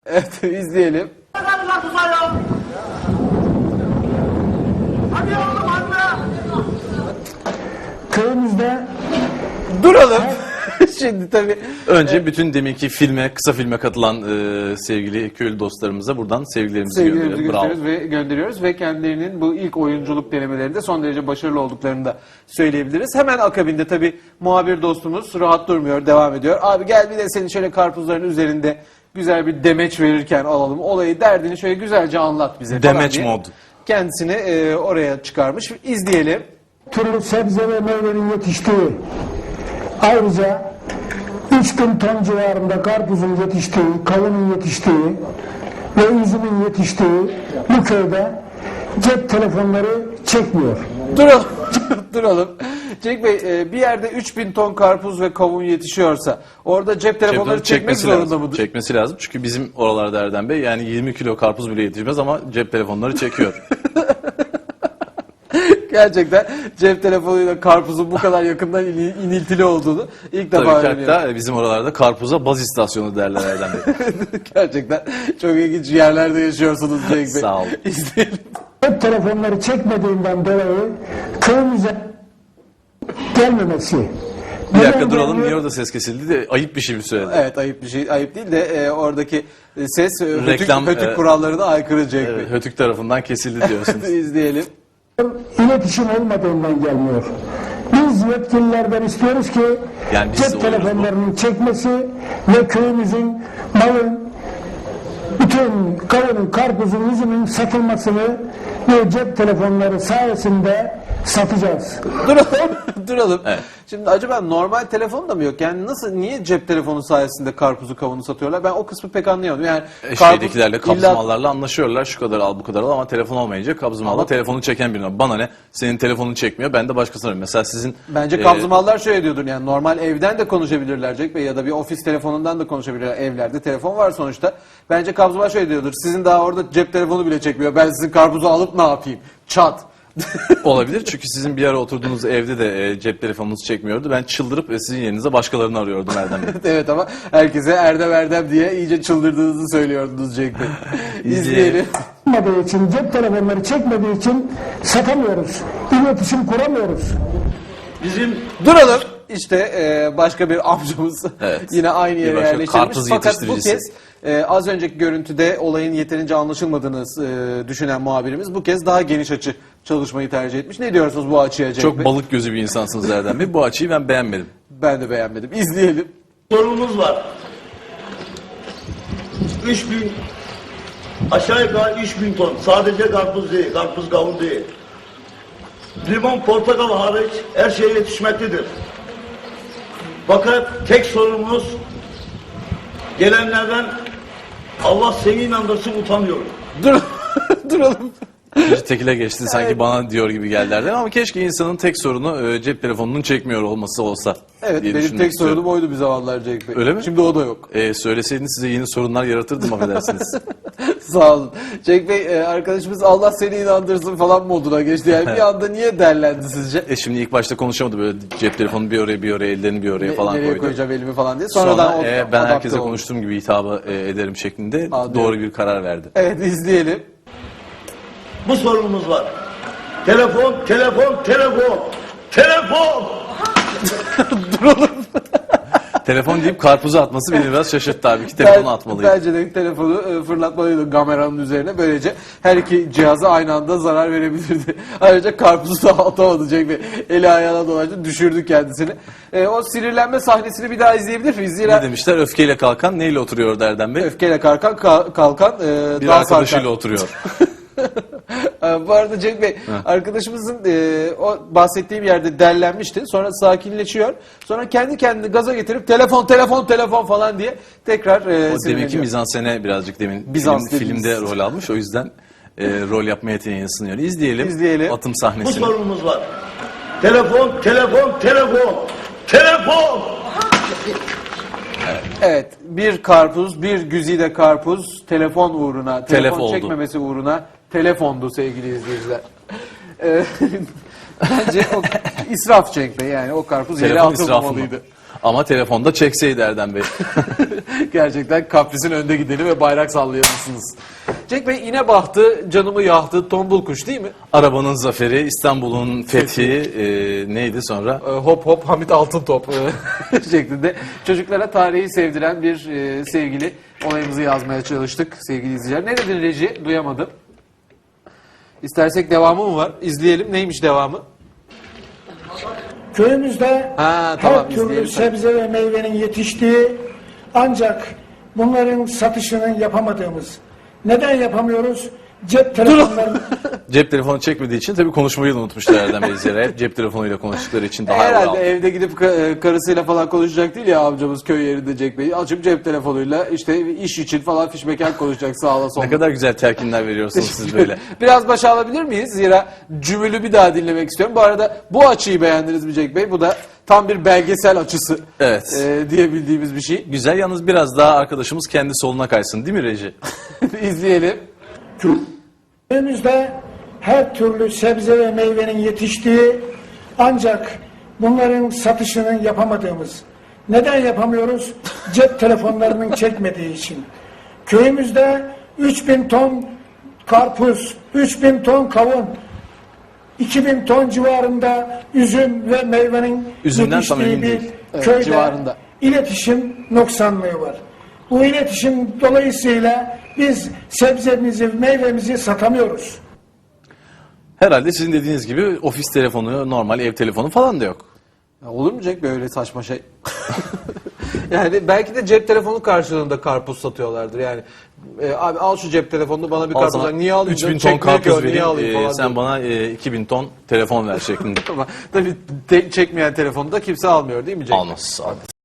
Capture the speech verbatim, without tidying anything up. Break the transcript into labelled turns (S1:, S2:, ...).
S1: Evet, izleyelim.
S2: Köyümüzde
S1: Duralım. Şimdi tabii
S3: Önce bütün deminki filme, kısa filme katılan e, sevgili köylü dostlarımıza buradan sevgilerimizi,
S1: sevgilerimizi
S3: gönderelim. Bravo.
S1: gösteriyoruz ve gönderiyoruz ve kendilerinin bu ilk oyunculuk denemelerinde son derece başarılı olduklarını da söyleyebiliriz. Hemen akabinde tabii muhabir dostumuz rahat durmuyor, devam ediyor. Abi gel bir de senin şöyle karpuzların üzerinde güzel bir demeç verirken alalım. Olayı, derdini şöyle güzelce anlat bize falan
S3: Demeç
S1: diye
S3: mod.
S1: kendisini e, oraya çıkarmış. İzleyelim.
S2: türlü sebze ve meyvenin yetiştiği, ayrıca üç bin ton civarında karpuzun yetiştiği, kavunun yetiştiği ve üzümün yetiştiği bu köyde cep telefonları çekmiyor.
S1: Duralım. Duralım. Cenk Bey, e, bir yerde üç bin ton karpuz ve kavun yetişiyorsa orada cep telefonları çekmek
S3: çekmesi
S1: zorunda
S3: lazım.
S1: mıdır?
S3: Çekmesi lazım. Çünkü bizim oralarda Erdem Bey yani yirmi kilo karpuz bile yetişmez ama cep telefonları çekiyor.
S1: Gerçekten cep telefonuyla karpuzun bu kadar yakından in- iniltili olduğunu ilk defa
S3: Tabii ki
S1: öğreniyorum.
S3: hatta bizim oralarda karpuza baz istasyonu derler Erdem Bey.
S1: Gerçekten çok ilginç yerlerde yaşıyorsunuz Cenk Bey.
S3: Sağ olun.
S1: İzleyelim.
S2: Cep telefonları çekmediğinden dolayı köyümüze gelmemesi.
S3: Bir dakika
S2: Neden
S3: duralım.
S2: gelmiyor?
S3: Niye orada ses kesildi de ayıp bir şey mi söyledi?
S1: Evet, ayıp bir şey. Ayıp değil de e, oradaki e, ses e, hötük,
S3: Reklam,
S1: hötük
S3: e,
S1: kurallarına aykırı Cenk
S3: Evet,
S1: Bey.
S3: Hötük tarafından kesildi diyorsunuz.
S1: İzleyelim.
S2: İletişim olmadığından gelmiyor. Biz yetkililerden istiyoruz ki
S3: Yani biz de
S2: cep
S3: oluyoruz
S2: telefonlarının çekmesi ve köyümüzün malın, bütün kavunun, karpuzun, üzümün satılmasını ve cep telefonları sayesinde satacağız.
S1: Duralım. Duralım.
S3: Evet.
S1: Şimdi acaba normal telefon da mı yok? Yani nasıl, niye cep telefonu sayesinde karpuzu kavunu satıyorlar? Ben o kısmı pek anlayamadım. Yani
S3: E,
S1: karpuz
S3: Şeydekilerle,
S1: illa-
S3: kabzımallarla anlaşıyorlar. Şu kadar al, bu kadar al ama telefon olmayınca kabzımalda
S1: Ama-
S3: telefonu çeken birine. Bana ne? Senin telefonunu çekmiyor. Ben de başkasına arıyorum. Mesela sizin...
S1: Bence
S3: e,
S1: kabzımallar şöyle diyordur, yani normal evden de konuşabilirler Cenk Bey ya da bir ofis telefonundan da konuşabilirler, evlerde telefon var sonuçta. Bence kabzımal şöyle diyordur, sizin daha orada cep telefonu bile çekmiyor, ben sizin karpuzu alıp ne yapayım? Çat.
S3: Olabilir çünkü sizin bir ara oturduğunuz evde de e, cep telefonunuz çekmiyordu. Ben çıldırıp e, sizin yerinize başkalarını arıyordum Erdem Bey.
S1: Evet, ama herkese Erdem Erdem diye iyice çıldırdığınızı söylüyordunuz Cenk Bey. İzleyelim.
S2: Olmadığı için, cep telefonları çekmediği için satamıyoruz. İletişim kuramıyoruz.
S1: Bizim Duralım. İşte e, başka bir amcamız
S3: Evet.
S1: yine aynı
S3: Bir
S1: yere
S3: başka
S1: yerleştirilmiş.
S3: karpuz
S1: Fakat bu
S3: yetiştiricisi.
S1: kez e, az önceki görüntüde olayın yeterince anlaşılmadığını e, düşünen muhabirimiz bu kez daha geniş açı çalışmayı tercih etmiş. Ne diyorsunuz bu açıya Cenk
S3: Çok
S1: Bey?
S3: balık gözü bir insansınız Erdem Bey. Bu açıyı ben beğenmedim.
S1: Ben de beğenmedim. İzleyelim.
S4: Sorunumuz var. üç bin aşağı yukarı üç bin ton. Sadece karpuz değil, karpuz kavun değil. Limon, portakal hariç her şey yetişmektedir. Fakat tek sorunumuz gelenlerden Allah seni inandırsın utanıyorum.
S1: Dur Duralım.
S3: Bir tekile geçti sanki bana diyor gibi geldi Erdem ama keşke insanın tek sorunu e, cep telefonunun çekmiyor olması olsa.
S1: Evet,
S3: diye
S1: benim
S3: düşünmek
S1: tek
S3: istiyorum.
S1: sorunum oydu bir zamanlar Cenk Bey.
S3: Öyle mi?
S1: Şimdi o da yok.
S3: E, söyleseydiniz size yeni sorunlar yaratırdım affedersiniz.
S1: Sağ olun. Cenk Bey, e, arkadaşımız Allah seni inandırsın falan moduna geçti. Yani bir anda niye derlendi sizce?
S3: E şimdi ilk başta konuşamadı böyle cep telefonu bir oraya bir oraya ellerini bir oraya falan
S1: Nereye
S3: koydu.
S1: koyacağım elimi falan diye. Sonradan
S3: Sonra
S1: o-
S3: e, ben
S1: adapte
S3: herkese
S1: oldu.
S3: konuştuğum gibi hitabı e, ederim şeklinde
S1: Anlıyorum.
S3: doğru bir karar verdi.
S1: Evet, izleyelim.
S4: Bu sorunumuz var. Telefon, telefon, telefon. Telefon!
S3: Telefon deyip karpuzu atması beni biraz şaşırttı abi ki telefonu
S1: Ben-
S3: atmalıydı.
S1: Bence de telefonu e, fırlatmalıydı kameranın üzerine. Böylece her iki cihaza aynı anda zarar verebilirdi. Ayrıca karpuzu da atamadı Cenk Bey. Eli ayağına dolaştı, düşürdü kendisini. E, o sinirlenme sahnesini bir daha izleyebilir miyiz? Zira
S3: Ne demişler? Öfkeyle kalkan neyle oturuyor Erdem Bey?
S1: öfkeyle kalkan, ka- kalkan e,
S3: Bir
S1: dal
S3: arkadaşıyla
S1: sarkan.
S3: oturuyor.
S1: E, Bu arada Cenk Bey, arkadaşımızın e, o bahsettiğim yerde derlenmişti. Sonra sakinleşiyor. Sonra kendi kendini gaza getirip telefon, telefon, telefon falan diye tekrar e,
S3: O deminki
S1: sinirleniyor.
S3: mizansene birazcık demin
S1: Bizans
S3: film,
S1: dediğimiz.
S3: filmde rol almış. O yüzden e, rol yapma yeteneği sınıyor. İzleyelim.
S1: İzleyelim.
S3: Atım
S4: Bu
S3: sahnesini.
S4: sorunumuz var. Telefon, telefon, telefon. Telefon!
S1: Evet, bir karpuz, bir güzide karpuz telefon uğruna, telefon
S3: Telef oldu.
S1: çekmemesi uğruna telefondu sevgili izleyiciler. Ee, Bence o israf Cenk Bey, yani o karpuz yere
S3: Telefon israfı mı?
S1: atılmamalıydı.
S3: Ama telefonda çekseydi Erdem Bey.
S1: Gerçekten kaprisin önde gideni ve bayrak sallayanısınız. Cenk Bey, iğne bahtı, canımı yahtı, tombul kuş değil mi?
S3: Arabanın zaferi, İstanbul'un fethi, e, neydi sonra?
S1: Ee, hop hop Hamit Altıntop e, şeklinde çocuklara tarihi sevdiren bir e, sevgili olayımızı yazmaya çalıştık sevgili izleyiciler. Ne dedin Reji? Duyamadım. İstersek devamı mı var? İzleyelim. Neymiş devamı?
S2: Köyümüzde
S1: Ha, tamam,
S2: her türlü
S1: izleyelim.
S2: sebze ve meyvenin yetiştiği, ancak bunların satışını yapamadığımız. Neden yapamıyoruz? Cep telefonları
S3: Cep telefonu çekmediği için tabii konuşmayı da unutmuşlar Erdem Bey izleyiciler. Hep cep telefonuyla konuştukları için daha
S1: Herhalde
S3: evvel.
S1: evde gidip ka- karısıyla falan konuşacak değil ya amcamız köy yerinde Cenk Bey. Açıp cep telefonuyla işte iş için falan fişmekan konuşacak sağla sola.
S3: Ne kadar güzel telkinler veriyorsunuz siz böyle.
S1: Biraz başa alabilir miyiz? Zira cümülü bir daha dinlemek istiyorum. Bu arada bu açıyı beğendiniz mi Cenk Bey? Bu da tam bir belgesel açısı
S3: Evet.
S1: e, diyebildiğimiz bir şey.
S3: Güzel, yalnız biraz daha arkadaşımız kendi soluna kaysın değil mi Reji?
S1: İzleyelim.
S2: köyümüzde her türlü sebze ve meyvenin yetiştiği, ancak bunların satışını yapamadığımız. Neden yapamıyoruz? Cep telefonlarının çekmediği için. Köyümüzde üç bin ton karpuz, üç bin ton kavun, iki bin ton civarında üzüm ve meyvenin
S3: Üzümden tam
S2: yetiştiği
S3: emin
S2: bir
S3: değil.
S1: Evet,
S2: köyde
S1: civarında.
S2: iletişim noksanlığı var. Bu iletişim dolayısıyla biz sebzemizi, meyvemizi satamıyoruz.
S3: Herhalde sizin dediğiniz gibi ofis telefonu, normal ev telefonu falan da yok.
S1: Ya olur mu Cenk Bey öyle saçma şey? Yani belki de cep telefonu karşılığında karpuz satıyorlardır. Yani e, abi al şu cep telefonunu bana bir
S3: Al
S1: karpuz.
S3: sana
S1: Niye alayım?
S3: üç bin
S1: canım?
S3: ton
S1: Çekmiyor ki o,
S3: karpuz
S1: niye alayım
S3: vereyim,
S1: falan
S3: e, sen
S1: diyor.
S3: bana e, iki bin ton telefon ver şeklinde.
S1: Ama tabii te- çekmeyen telefonu da kimse almıyor değil mi Cenk Bey?
S3: Almaz. almaz.